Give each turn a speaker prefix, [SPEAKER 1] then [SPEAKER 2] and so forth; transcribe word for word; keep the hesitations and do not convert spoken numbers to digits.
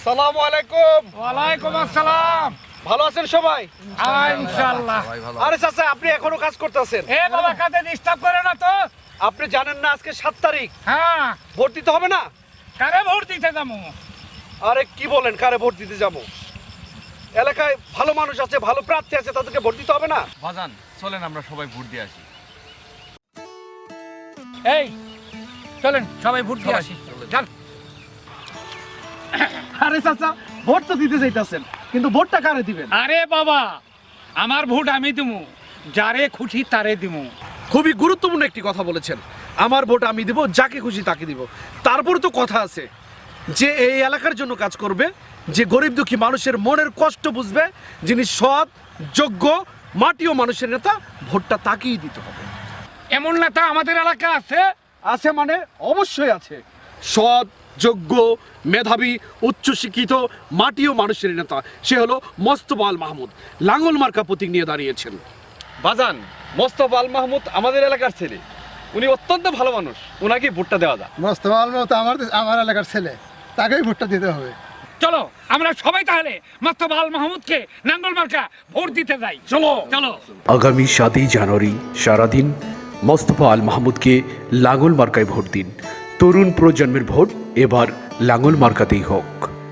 [SPEAKER 1] আসসালামু আলাইকুম।
[SPEAKER 2] ওয়ালাইকুম আসসালাম।
[SPEAKER 1] ভালো আছেন সবাই?
[SPEAKER 2] ইনশাআল্লাহ।
[SPEAKER 1] আরে চাচা, আপনি এখনো কাজ করতেছেন?
[SPEAKER 2] এ বাবা, কাজে ডিস্টার্ব করে না তো।
[SPEAKER 1] আপনি জানেন না আজকে সাত তারিখ?
[SPEAKER 2] হ্যাঁ।
[SPEAKER 1] ভোট দিতে হবে না?
[SPEAKER 2] কারে ভোট দিতে যাবো?
[SPEAKER 1] আরে কি বলেন, কারে ভোট দিতে যাবো? এলাকায় ভালো মানুষ আছে, ভালো প্রার্থী আছে, তাদেরকে ভোট দিতে হবে না?
[SPEAKER 3] বাজান, চলেন আমরা সবাই ভোট দিয়ে আসি।
[SPEAKER 2] এই চলেন সবাই ভোট দিয়ে আসি। যান।
[SPEAKER 1] আরে চাচা, ভোট তো দিতে চাইতেছেন, কিন্তু ভোটটা কারে দিবেন?
[SPEAKER 2] আরে বাবা, আমার ভোট আমি দিমু, যারে খুশি তারে দিমু।
[SPEAKER 1] খুবই গুরুত্বপূর্ণ একটি কথা বলেছেন। আমার ভোট আমি দিব, যাকে খুশি তাকে দিব। তারপর তো কথা আছে যে এই এলাকার জন্য কাজ করবে, যে গরিব দুঃখী মানুষের মনের কষ্ট বুঝবে, যিনি সৎ, যোগ্য, মাটি ও মানুষের নেতা, ভোটটা তাকেই দিতে হবে।
[SPEAKER 2] এমন নেতা আমাদের এলাকা আছে?
[SPEAKER 1] আছে মানে অবশ্যই আছে। সৎ, যোগ্য, মেধাবী, উচ্চশিক্ষিত, মাটি ও মানুষের নেতা, সে হলো মোস্তফা আল মাহমুদ। লাঙ্গল মার্কা প্রতীক নিয়ে দাঁড়িয়েছেন।
[SPEAKER 3] বাজান, মোস্তফা আল মাহমুদ আমাদের এলাকার ছেলে, উনি অত্যন্ত ভালো মানুষ, ওনাকে ভোটটা দেওয়া যায়।
[SPEAKER 4] মোস্তফা আল মাহমুদ আমার আমার এলাকার ছেলে, তাকেই ভোটটা দিতে হবে।
[SPEAKER 2] চলো আমরা সবাই তাহলে মোস্তফা আল মাহমুদকে নাঙ্গল মার্কা ভোট দিতে যাই। চলো চলো।
[SPEAKER 5] আগামী সাতই জানুয়ারি সারাদিন মোস্তফা আল মাহমুদকে লাঙ্গল মার্কায় ভোট দিন। তরুণ প্রজন্মের ভোট এবার লাঙ্গল মার্কাতেই হোক।